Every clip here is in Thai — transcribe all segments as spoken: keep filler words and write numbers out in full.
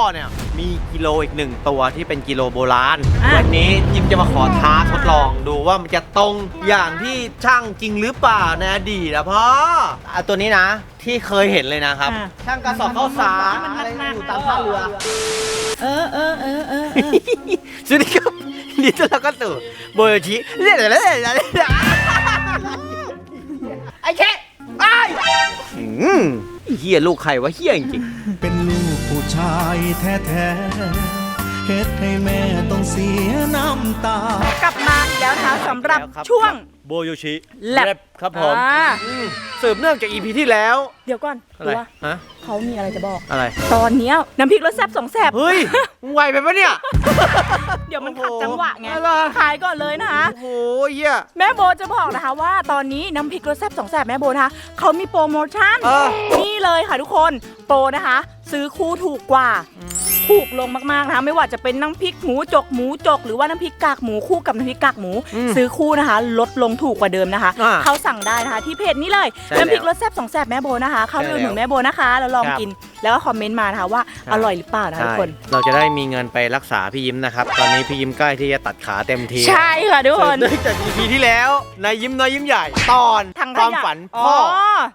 เนี่ยมีกิโลอีกหนึ่งตัวที่เป็นกิโลโบราณวันนี้ยิมจะมาขอท้าทดลองดูว่ามันจะตรงอย่างที่ช่างจริงหรือเปล่าในอดีตนะพ่ออ่ะตัวนี้นะที่เคยเห็นเลยนะครับช่างกระสอบข้าวสารอะไรอยู่ตามท่าเรือเออเออเออเออสวัสดีครับนี่ตัวเราก็ตู่โบโยชิเรียกอะไรอะไรไอ้เชะไอ้เฮียลูกใครวะเฮียจริงเป็นลูกผู้ชายแท้ๆเฮ็ดให้แม่ต้องเสียน้ำตากลับมาแล้วนะคะสำหรับช่วงโบโยชิแลบครับผมสืบเนื่องจาก อี พี ที่แล้วเดี๋ยวก่อนอะไรฮะเขามีอะไรจะบอกอะไรตอนนี้น้ำพริกรสแซ่บสองแซ่บเฮ้ยมึงไวไปปะเนี่ยเดี๋ยวมันขัดจังหวะไงขายก่อนเลยนะคะโอ้โหเหี้ยแม่โบจะบอกนะคะว่าตอนนี้น้ำพริกรสแซ่บสองแซ่บแม่โบนะคะเขามีโปรโมชั่นนี่เลยค่ะทุกคนโปรนะคะซื้อคู่ถูกกว่าถูกลงมากๆนะคะไม่ว่าจะเป็นน้ำพริกหมูจกหมูจกหรือว่าน้ำพริกกากหมูคู่กับน้ำพริกกากหมูซื้อคู่นะคะลดลงถูกกว่าเดิมนะคะเขาสั่งได้นะคะที่เพจนี้เลยน้ำพริกรสแซ่บสองแซ่บแม่โบนะคะเข้าไปดูหนูแม่โบนะคะแล้วลองกินแล้วก็คอมเมนต์มานะคะว่าอร่อยหรือเปล่านะคะทุกคนเราจะได้มีเงินไปรักษาพี่ยิ้มนะครับตอนนี้พี่ยิ้มใกล้ที่จะตัดขาเต็มทีใช่ค่ะทุกคนเนื่องจาก อี พี ที่แล้วนายยิ้มน้อยยิ้มใหญ่ตอนความฝันพ่อ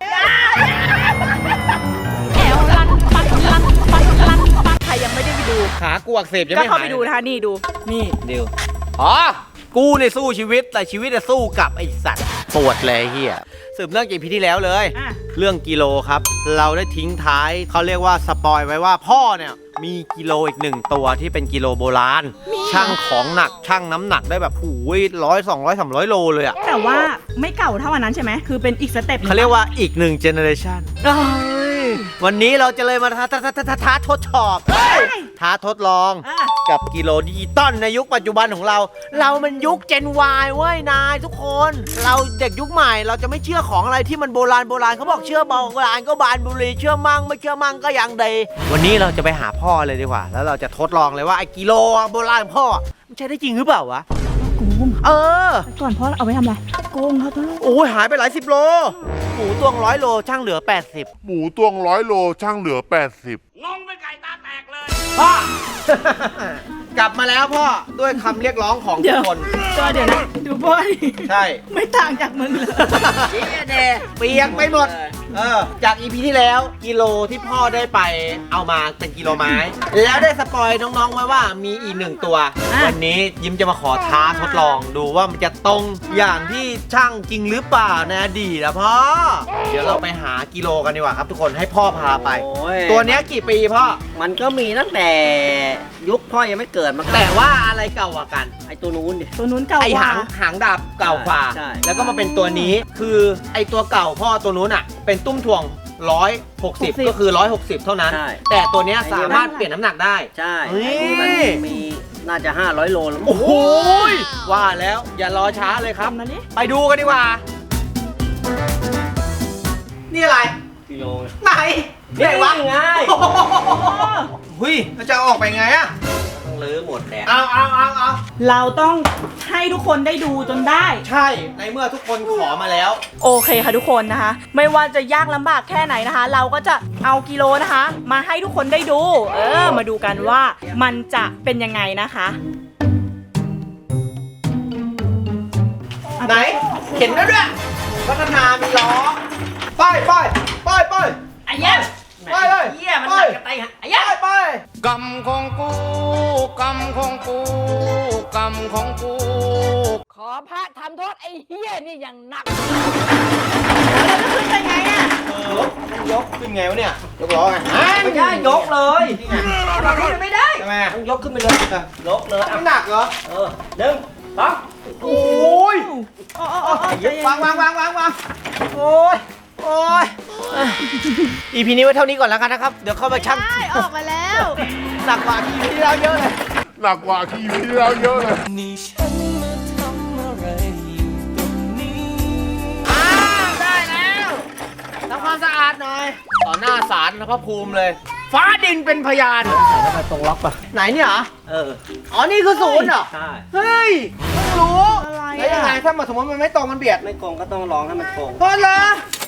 ใครยังไม่ได้ไปดูขากูอักเสบยังไม่หายก็เข้าไปดูนะคะนี่ดูนี่เดี๋ยวอ๋อกูในสู้ชีวิตแต่ชีวิตจะสู้กับไอสัตว์ปวดเลยเฮียสืบเนื่องจาก อี พี ที่แล้วเลยเรื่องกิโลครับเราได้ทิ้งท้ายเขาเรียกว่าสปอยไว้ว่าพ่อเนี่ยมีกิโลอีกหนึ่งตัวที่เป็นกิโลโบราณช่างของหนักช่างน้ำหนักได้แบบหูยร้อยสองร้อยสามร้อยโลเลยอะแต่ว่าไม่เก่าเท่าอันนั้นใช่ไหมคือเป็นอีกสเต็ปเขาเรียกว่าอีกหนึ่งเจเนอเรชันวันนี้เราจะเลยมาท้าท้าท้าท้าท้าทดสอบท้าทดลองกับกิโลดิจิตอลในยุคปัจจุบันของเราเรามันยุค Gen Y เว้ยนายทุกคนเราเด็กยุคใหม่เราจะไม่เชื่อของอะไรที่มันโบราณโบราณเขาบอกเชื่อโบราณก็บานบุรีเชื่อมั่งไม่เชื่อมั่งก็ยังดีวันนี้เราจะไปหาพ่อเลยดีกว่าแล้วเราจะทดลองเลยว่าไอ้กิโลโบราณพ่อมันใช้ได้จริงหรือเปล่าวะโกงเออก่อนพ่อเอาไว้ทำอะไรโกงครับพ่อโอ้ยหายไปหลายสิบโลหมูตวงร้อยโลช่างเหลือแปดสิบหมูตวงร้อยโลช่างเหลือแปดสิบงงเป็นไก่ตาแตกเลยพ่อ กลับมาแล้วพ่อด้วยคำเรียกร้องของทุกคนก็เดี๋ยวนะดูพ่อใช่ไม่ต่างจากมึงเลยเจี๊ยเดเปียกไปหมดเออจาก อี พี ที่แล้วกิโลที่พ่อได้ไปเอามาเป็นกิโลไม้แล้วได้สปอยน้องๆไว้ว่ามีอีกหนึ่งตัววันนี้ยิ้มจะมาขอท้าทดลองดูว่ามันจะตรงอย่างที่ช่างจริงหรือเปล่าในอดีตนะพ่อเดี๋ยวเราไปหากิโลกันดีกว่าครับทุกคนให้พ่อพาไปตัวนี้กี่ปีพ่อมันก็มีตั้งแต่ยุคพ่อยังไม่เกิดมาแต่ว่าอะไรเก่ากว่ากันไอตัวนู้นดิตัวนู้นเก่าไอหางหางดาบเก่ากว่าแล้วก็มาเป็นตัวนี้คือไอตัวเก่าพ่อตัวนู้นอ่ะเป็นตุ้มถ่วงร้อยหกสิบก็คือร้อยหกสิบเท่านั้นแต่ตัวนี้สามารถเปลี่ยนน้ำหนักได้ใช่มันมีน่าจะห้าร้อยโลแล้วโอ้โหว่าแล้วอย่ารอช้าเลยครับไปดูกันดีกว่านี่อะไรกิโลไหนนี่ไงวะไงเฮ้ยเราจะออกไปไงอะต้องลื้อหมดแหละเอาเอาเอาเอาเราต้องให้ทุกคนได้ดูจนได้ใช่ในเมื่อทุกคนขอมาแล้วโอเคค่ะทุกคนนะคะไม่ว่าจะยากลำบากแค่ไหนนะคะเราก็จะเอากิโลนะคะมาให้ทุกคนได้ดูเออมาดูกันว่ามันจะเป็นยังไงนะคะไหนเข็นแล้วด้วยพัฒนามีล้อไปไปไปไปไอ้เหี้ยไปเลยเหี้ยมันหนักกระไตไอ้เหี้ยไปกรรมของกูกรรมของกูกรรมของกูขอพระทำโทษไอ้เหี้ยนี่อย่างหนักแล้วจะขึ้นไปไงอ่ะยกขึ้นไงวะเนี่ยยกล้อไงไม่ใช่ยกเลยเราขึ้นไม่ได้ทำไมต้องยกขึ้นไปเลยยกเลยไม่หนักเหรอเออหนึ่งสองโอ้ยวางวางวางวางวางโอ้ยโอ้ย อี พี นี้ไว้เท่านี้ก่อนแล้วกันนะครับเดี๋ยวเข้าไปชั่งได้ออกมาแล้วหนักกว่า อี พี ที่แล้วเยอะเลยหนักกว่า อี พี ที่แล้วเยอะเลยนี่ฉันมาทำอะไรอยู่ตรงนี้อ้าวได้แล้วทำความสะอาดหน่อยต่อหน้าศาลพระภูมิเลยฟ้าดินเป็นพยานใส่เข้าไปตรงล็อกป่ะไหนเนี่ยเหรอเอออ๋อนี่คือศูนย์เหรอใช่เฮ้ยเพิ่งรู้แล้วยังไงถ้ามาสมมติมันไม่ตรงมันเบียดไม่โกงก็ต้องลองให้มันโกงเพราะเหรอ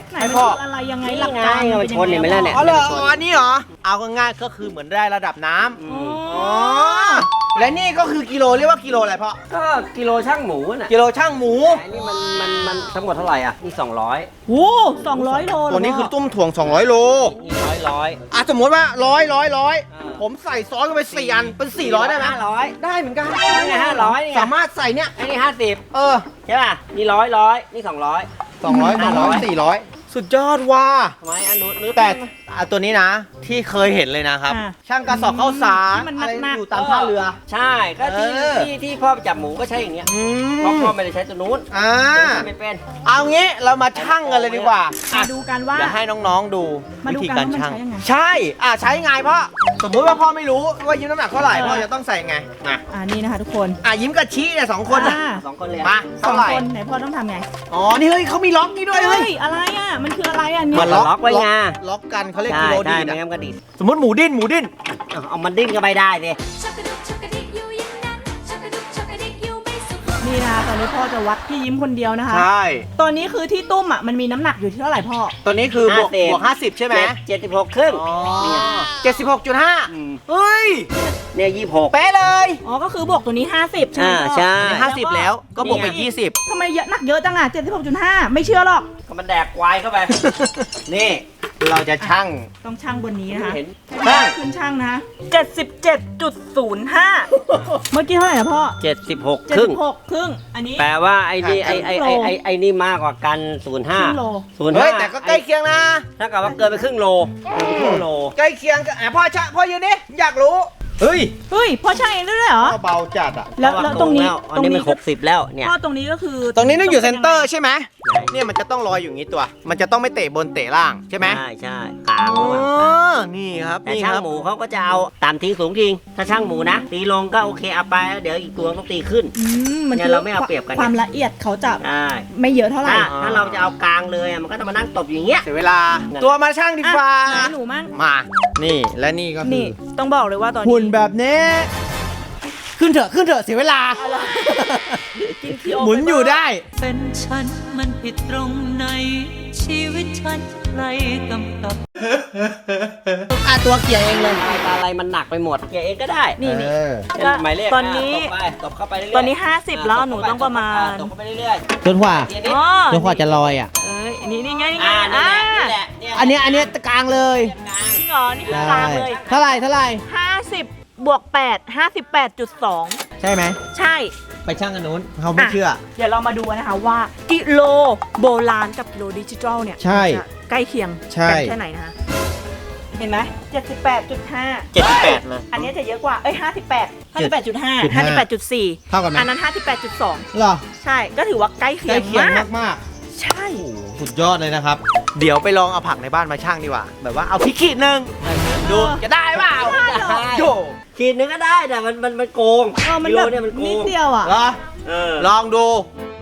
ไหนให้มันพ่อคืออะไรยังไงนี่หลักไงการเอาไปชนเห็นไหมล่ะเนี่ยอ๋อเหรออ๋ออันนี้เหรอ เอาง่ายๆก็คือเหมือนได้ระดับน้ำอือ๋มออ๋อ และนี่ก็คือกิโลเรียกว่ากิโลอะไรพ่อก็กิโลช่างหมูน่ะกิโลช่างหมูอันนี้มันมันมันทั้งหมดเท่าไหร่อ่ะนี่สองร้อยโอ้สองร้อยโลเหรตัวนี้คือพ่ตุ้มถ่วงสองร้อยโลนี่ร้อยร้อยอ่ะสมมติว่าร้อยร้อยร้อยอ่าผมใส่ซอสเข้าไปสี่อันเป็นสี่ร้อยได้ไหมห้าร้อยได้เหมือนกันนี่ไงห้าร้อยนี่ไงสามารถใส่เนี่ยไอ้นี่ห้าสิบเออใช่ป่ะนี่ร้อยร้อยนี่สองร้อยสองร้อยสองร้อยสี่ร้อยสุดยอดว่ะทำไมอันนู้นนู้นแต่อ่ะตัวนี้นะ ที่เคยเห็นเลยนะครับอ่าช่างกระสอบข้าวสารที่มันอะไรหนักๆอยู่ตามท่าเรือใช่ก็ที่เออที่ที่พ่อไปจับหมูก็ใช้อย่างเงี้ยอืเพราะมพ่อไม่ได้ใช้ตัวนู้นอ่าตัวนู้นไม่เป็นเอางี้เรามาชั่งกันเลยดีกว่ามาดูกันว่าเดี๋ยวให้น้องๆดูมาวิดูธีกันการว่ามันชั่งใช้ยังไงใช่ อ่ะใช้ไงพ่อสมมุติว่าพ่อไม่รู้ว่ายิ้มน้ำหนักเท่าไหร่เออพ่อจะต้องใส่ไงมาอ่านี่นะคะทุกคนอ่ะยิ้มกับชี้เนี่ยสองคนน่ะอ่าสองคนเลยมาสอเท่าง ไหร่คนไหนพ่อต้องทำไงอ๋อนี่เฮ้ยเขามีล็อกนี่ด้วยเฮ้เฮ้ยยอะไรอ่ะมันคืออะไรอ่ะเนี่มัยนล็อกไว้ไงล็อกกันเขาเรียกใช่กิโลใช่ดีดไม่อะงั้นก็ดิดสมมติหมูดิ้นหมูดิ้นเอาเอามันดิ้นก็ไม่ได้สิชักกระดุกชักกระดิกอยู่อย่างนั้นชักกระดุกชักกระดิกอยู่ไม่สุขนี่นะคะตอนนี้พ่อจะวัดพี่ยิ้มคนเดียวนะคะใช่ตอนนี้คือที่ตุ้มอ่ะมันมีน้ำหนักอยู่ที่เท่าไหร่พ่อตัวนี้คือบวกห้าสิบบวกห้าสิบใช่ไหมเจ็ดสิบหกครึ่งอ๋อเจ็ดสิบหกจุดห้ามเฮ้ยเนี่ยยี่สิบหกเป๊ะเลยอ๋อก็คือบวกตัวนี้ ห้าสิบใช่ไหมอ่าพ่อใช่อันนี้ห้าสิบแล้วก็บวกไปนี่ไงยี่สิบทำไมเยอะหนักเยอะจังอ่ะเจ็ดสิบหกจุดห้าไม่เชื่อหรอกก็มันแดกควายเข้าไป นี่เราจะชั่งต้องช่างบนนี้นะคะเห็นช่างขึ้นช่างนะเจ็ดสิบเจ็ดจุดศูนย์ห้าเมื่อกี้เท่าไหร่นะพ่อเจ็ดสิบหกเจ็ดครึ่งสิบหกครึ่งอันนี้แปลว่าไอ้นี่ไอ้ไอ้ไอ้ครึ่งโลไอ้ไอ้นี่มากกว่ากันศูนย์ห้าครึ่งโลศูนย์เฮ้ห้ายแต่ก็ใกล้เคียงนะถ้ากับว่าเกินไปครึ่งโลเกินไปครึ่งโลใกล้เคียงกันอ่ะพ่อชะพ่อยืนดิอยากรู้ เฮ้ยเฮ้ยพ่อช่างเองด้วยเหรอพ่อเบาจัดอ่ะแล้วแล้วตรงนี้อันนี้มันหกสิบแล้วเนี่ยพ่อตรงนี้ก็คือตรงนี้ต้องอยู่เซนเตอร์ใช่ไหมไหนเนี่ยมันจะต้องลอยอยู่อย่างนี้ตัว มันจะต้องไม่เตะบนเตะล่างใช่ไหมใช่ใช่กลางอ๋ระหว่างอกลางนี่ครับแต่นี่ช่างครับหมูเขาก็จะเอาตามทิ้งสูงทิ้งถ้าช่างหมูนะ ตีลงก็โอเคเอาไปแล้วเดี๋ยวอีกตัวต้องตีขึ้นอืมมันเนี่ยคือเราไม่เอาเปรียบกันความละเอียดเขาจะใช่ไม่เยอะเท่าไหร่ถ้าถ้าเราจะเอากลางเลยอะมันก็จะมานั่งตบอย่างเงี้ยเสียเวลา ตัวมาช่างดีฟ้าอ่ะไหนหนูมั่งมา นี่และนี่ก็คืนี่อต้องบอกเลยว่าตอนนี้หุ่นแบบนี้ ขึ้นเถอะขึ้นเถอะเสียเวลากินขี้โหมุนอยู่ได้เป็นฉันมันผิดตรงไหน ชีวิตฉันใครกำกับอ่ะตัวเกียร์เองเลยอะไรมันหนักไปหมดเกียร์เองก็ได้นี่นี่เออเช่นหมายเลขตอนนี้อ่ะตบไปตบเข้าไปเรื่อยๆตอนนี้ห้าสิบแล้วหนูต้องประมาณตบเข้าไปเรื่อยจนกว่าๆเกียร์นี้อ๋อจนกว่าจะลอยอ่ะเอ้ยนี่นี่ไงนี่ไงอ่านี่อ่าแหละนี่แหละอันเนี้ยอันเนี้ยกลางเลยกลางจริงเหรอนี่คือกลางเลยเท่าไหร่เท่าไหร่ห้าสิบบวกแปดห้าสิบแปดจุดสองใช่ไหมใช่ไปช่างกันนู้นเขาไม่เชื่อเดี๋ยวเรามาดูกันนะคะว่ากิโลโบราณกับกิโลดิจิทัลเนี่ยใช่จะใกล้เคียงใช่กันแค่ไหนนะคะเห็นไหมเจ็ดสิบแปดจุดห้าเจ็ดสิบแปดมาอันนี้จะเยอะกว่า เอ้ยห้าสิบแปดห้าสิบแปดจุดห้าห้าสิบแปดจุดสี่เท่ากันไหมอันนั้นห้าสิบแปดจุดสองเหรอใช่ก็ถือว่าใกล้เคีใกยล้งเคียงมากมากใช่ๆโอ้โหสุดยอดเลยนะครับ เดี๋ยวไปลองเอาผักในบ้านมาช่างดีกว่า แบบว่าเอาพริกขีดหนึ่งดูจะได้เปล่าได้เหรอโยขีดนึงก็ได้แต่มันมันมันโกงเออมันกิโลแบบเนี่ยมันโกนิดงเดียวอ่ะเหรอเออลองดู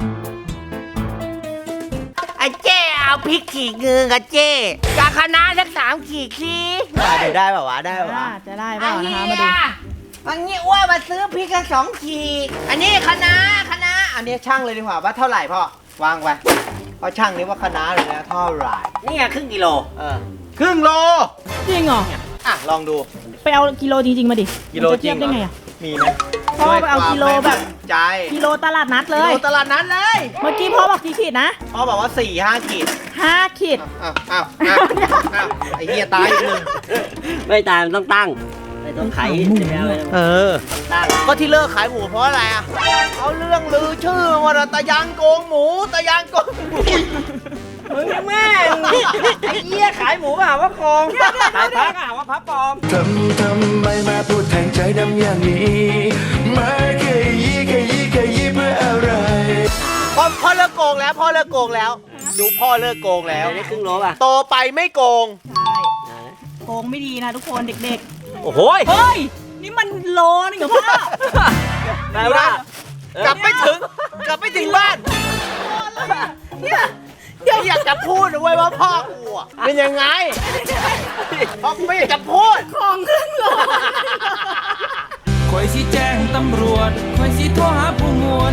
ไอ้เจ้เอาพริกขีดเงือกอะเจ้กาคณะสักสามขีดสิเดี๋ยวได้ป่าวะได้ป่าวะอ่าจะได้เปล่านะคะมาดูอันนี้อ้ว่ามาซื้อพริกกันสองขีดอันนี้คณะคณะอันนี้ช่างเลยดีกว่าว่าเท่าไหร่พ่อวางไปพอช่างนี้ว่าคณะเลยนะเท่าไหร่นี่ไงครึ่งกิโลเออครึ่งโลจริงเหรออ่ะลองดูไปเอากิโลจริงๆมาดิกิโลมันจะจริเทียงบเหรได้อไงอ่ะมีไหมพ่อไปเอากิโลแบบใจกิโลตลาดนัดเลกิยโลตลาดนั้นเลยเมื่อกี้พ่อบอกกี่ขีดนะพ่อบอกว่าสี่ห้าขีดห้าขีดอ้าวอ้าวอ้าวอ้าวไอ้เหี้ยตายอีกหนึ่งไม่ตามต้องตั้งไม่ต้องไขใช่ไหมไม่ต้องเออตั้งก็ที่เลิกขายหมูเพราะอะไรอ่ะเอาเรื่องลือชื่อว่าตะยางโกงหมูตะยางโกงหมูมึงแม่งไอ้เหี้ยขายหมูมาหาว่าโกงขายพักหาว่าพับปลอมทำทำไมมาพูดแทงใจดำอย่างนี้มาแค่ยี่แค่ยี่แค่ยี่เพื่ออะไรพ่อพ่อเลิกโกงแล้วพ่อเลิกโกงแล้ว ดูพ่อเลิกโกงแล้วได้ครึ่งโลป่ะโตไปไม่โกงใช่โกงไม่ดีนะทุกคนเด็กโอ้โหๆ เฮ้ย นี่มันโลนึงเหรอพ่อแปลว่ากลับไม่ถึง กลับไม่ถึงบ้านเนี่ยเดี๋ยวอยากจะพูดนะเว้ยว่าพ่อกูอะเป็นยังไงพ่อกูไม่อยากจะพูดของครึ่งโลคอยสิแจ้งตำรวจคอยสิโทรหาผู้หมวด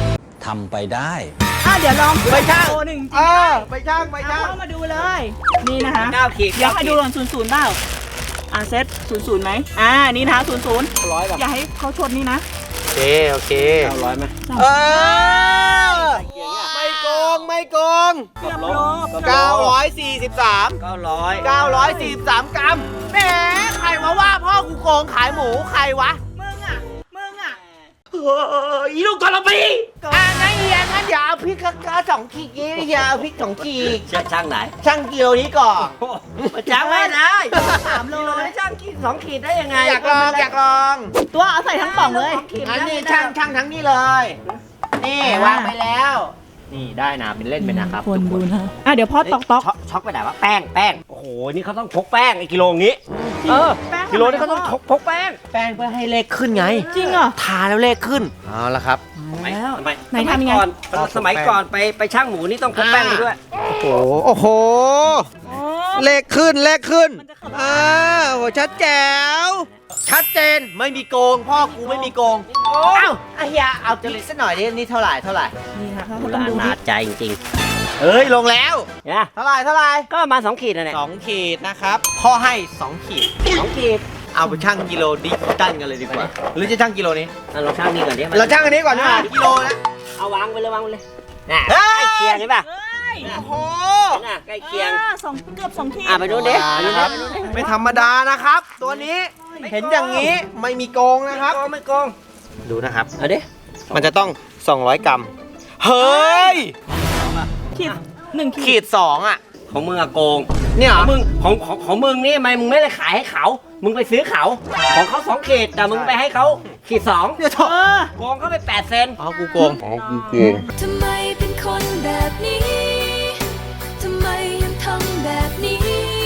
ทำไปได้อ่ะเดี๋ยวลองไปช่างโลหนึ่งจริงเอด้วอย ไปช่างไปช่างเข้ามาดูเลย นี่นะคะเก้าขีดเดี๋ยวให้ดูก่อนศูนย์ศูนย์เปล่าอ่ะเซตศูนย์ศูนย์ไหมอ่านี่นะคะศูนย์ศูนย์ร้อยแบบอย่าให้เขาชนนี่นะโอเคโอเคเก้าร้อยไหมเออไม่โกงไม่โกงเกือบโลเก้าร้อยสี่สิบสามเก้าร้อยเก้าร้อยสี่สิบสามกรัมแหมใครมาว่าพ่อกูโกงขายหมูใครวะมึงอ่ะมึงอ่ะเอออีลูกกระปีอ่างั้นเฮียงั้นอย่าเอาพริกกระสองขีดนี้อย่าเอาพริกสองขีดช่างช่างไหนช่างกิโลนี้ก่อนช่างไม่ได้สามโลกิโลให้ช่างขีดสองขีดได้ยังไงอยากลองอยากลองตัวเอาใส่ทั้งกล่องเลยอันนี้ช่างช่างทั้งนี้เลย นี่วางไปแล้ว นี่ได้นะเป็นเล่นไปนะครับคนดูนะอ่ะเดี๋ยวพ่อตอกตอกช็อกช็อกไปไหนวะแป้งแป้งโอ้โหนี่เขาต้องพกแป้งไอ้กิโลงี้เออแป้งกิโลนี่เขาต้องพกพกแป้งแป้งเพื่อให้เลขขึ้นไงจริงเหรอทาแล้วเลขขึ้นเอาละครับแล้วทำไมไหนทำยังไงสมัก่อนสมัยก่อนไปไปช่างหมูนี่ต้องพกแป้งไปด้วยโอ้โหโอ้โหอ๋อเลขขึ้นเลขขึ้นมันจะขับอ่าโอ้โหชัดแจ๋วชัดเจนไม่มีโกง พ่อกูไม่มีโกงเอ้าไอ้เฮียเอาจริตสักหน่อยดินี่เท่าไหร่เท่าไหร่นี่ค่ะเขาโบต้องราณดูนาที่ใจจริงเอ้ยลงแล้วๆเนี่ยเท่าไหร่เท่าไหร่ก็ประมาณสองขีดนะเนี่ยสองขีดนะครับพ่อให้สองขีดสองขีดเอาไปชั่งกิโลดิจิตอลกันเลยดีกว่าหรือจะชั่งกิโลนี้อ่ะเราช่างนี่ก่อนดิเราชั่งอันนี้ก่อนนะกิโลนะเอาวางไปเลยวางไปเลยน่ะเฮ้ใกล้ยเคียงใช่ป่ะเอ้ยโอ้โหน่ะใกล้เคียงอ่าสองเกือบสองขีดอ่ะไปดูดิไปดูดิครับไปดูดิไม่ธรรมดานะครับ ตัวนี้เห็นอย่างนี้ไม่มีโกงนะครับโกงไม่โกงดูนะครับเอาดิมันจะต้อง สองร้อย กรัม เฮ้ยขีดหนึ่งขีขีดดสองอ่ะของมึงอะโกงเนี่ยเหขรอองมึงของของของมึงนี่ทำไมมึงไม่ได้ขายให้เขา มึงไปซื้อเขา ของเขาสองขีดแต่มึงไปให้เขาขีดสองเนี่ยเถอะเออโกงเขาไปแปดเซนอ๋อกูโกงทำไมเป็นคนแบบนี้ ทำไมยังทำแบบนี้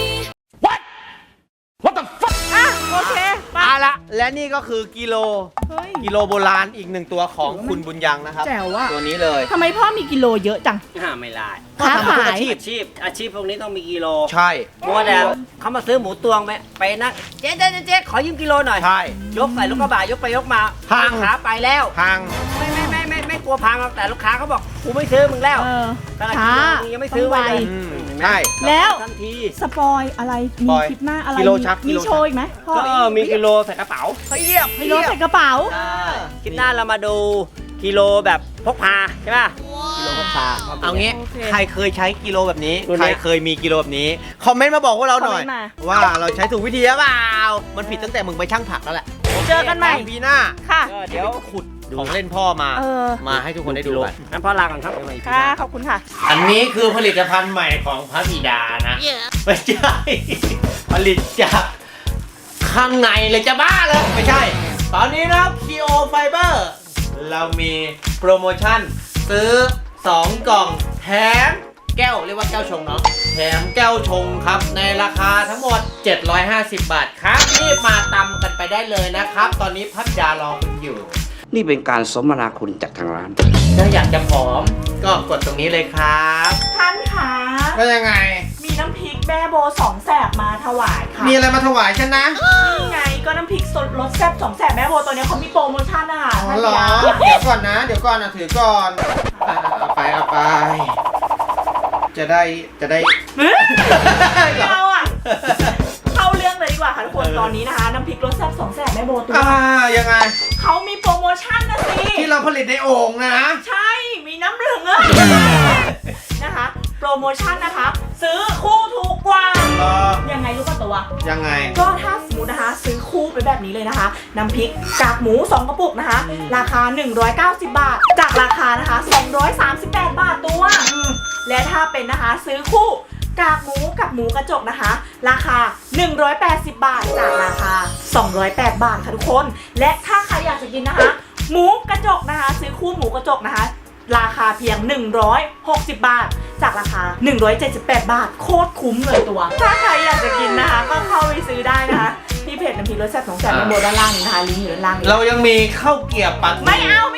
อ่ะโอเคไปเอาละและนี่ก็คือกิโลเฮ้ยกิโลโบราณอีกหนึ่งตัวของคุณบุญยังนะครับแจ๋วอะตัวนี้เลยทำไมพ่อมีกิโลเยอะจังห้าไม่ได้ค้าทำทุกขายอาชีพอาชีพอาชีพพวกนี้ต้องมีกิโลใช่มัวแต่เขามาซื้อหมูตวงไปไปนั่งเจ๊เจ๊เจ๊เจ๊ขอยืมกิโลหน่อยใช่ยกใส่รถกระบะยกไปยกมาพังลูกค้าไปแล้วพังไม่ไม่ไม่ไม่ไม่กลัวพังหรอกแต่ลูกค้าเขาบอกกูไม่ซื้อมึงแล้วเออขนาดช้ากิโลมึงยังไม่ซื้อไว้เลยอืมเห็นไหมใช่แล้วทันทีสปอยอะไรสมีปอยคลิปหน้าอะไรกิโลชักมีกิโลชักโชว์อีกไหมพ่อก็มีกิโลใส่กระเป๋าเทียบกิโลใส่กระเป๋าคลิปหน้าเรามาดูกิโลแบบพกพาใช่ป่ะกิโลพกพาเอางี้โอเคใครเคยใช้กิโลแบบนี้รุ่นใครเนี้ยเคยมีกิโลแบบนี้ คอมเมนต์มาบอกพวกเราหน่อยคอมเมนต์มาว่าเราใช้ถูกวิธีหรือเปล่า มันผิดตั้งแต่มึงไปช่างผักแล้วแหละเจอกันใหม่ปีหน้าค่ะก็เดี๋เดี๋ยยว วขุดของเล่นพ่อมาเออมาให้ทุกคนได้ดูกันงั้นพ่อลาก่อนครับค่ะ ขอบคุณค่ะอันนี้คือผลิตภัณฑ์ใหม่ของพระบิดานะ ไม่ใช่ ผลิตจากข้างในเลยจะบ้าเลยไม่ใช่ ตอนนี้นะครับ Kio Fiber เรามีโปรโมชั่นซื้อ สอง กล่องแถมแก้วเรียกว่าแก้วชงเนาะแถมแก้วชงครับในราคาทั้งหมด เจ็ดร้อยห้าสิบ บาทครับรีบมาตำกันไปได้เลยนะครับ ตอนนี้พัทยารอคุณอยู่นี่เป็นการสมนาคุณจากทางร้านถ้าอยากจะผอมก็กดตรงนี้เลยครับท่านคะว่ายังไงมีน้ำพริกแม่โบสองแสบมาถวายค่ะมีอะไรมาถวายฉันนะนี่ไงก็น้ำพริกสดรสแซ่บสองแสบแม่โบตัวเนี้ยเขามีโปรโมชั่นนะคะอ๋อท่านเหรอยาเดี๋ยวก่อนนะ เดี๋ยวก่อนนะถือก่อนอ่ะเอาไปเอาไป จะได้จะได้เฮ้ยไม่เอาอ่ะ เข้าเรื่องเลยดีกว่าค่ะทุกคน ตอนนี้นะคะ น้ำพริกรสแซ่บสองแสบแม่โบตัวอ่ายังไงเขามีโปรโมชั่นนะสิที่เราผลิตในโอ่งนะใช่ มีน้ำเหลืองอะนะคะ โปรโมชั่นนะคะ ซื้อคู่ถูกกว่าเออยังไงรู้ป่ะตัวยังไงก็ถ้าสมมตินะคะ ซื้อคู่ไปแบบนี้เลยนะคะ น้ำพริกกากหมูสองกระปุกนะคะ ราคาหนึ่งร้อยเก้าสิบบาท จากราคานะคะสองร้อยสามสิบแปดบาทตัว และถ้าเป็นนะคะซื้อคู่กากหมูกับหมูกระจกนะคะ ราคาหนึ่งร้อยแปดสิบบาท จากราคาสองร้อยแปดบาทค่ะทุกคน และถ้าใครอยากจะกินนะคะ หมูกระจกนะคะ ซื้อคู่หมูกระจกนะคะ ราคาเพียงหนึ่งร้อยหกสิบบาท จากราคาหนึ่งร้อยเจ็ดสิบแปดบาทโคตรคุ้มเลยตัว ถ้าใครอยากจะกินนะคะ ก็เข้าไปซื้อได้นะคะที่เพจน้ำพริกรสแซ่บสองแสบในโบด้านล่างนี้นะคะลิงก์อยู่ด้านล่างนี้เรายังมีข้าวเกรี๊ยวปักหมี่ไม่เอา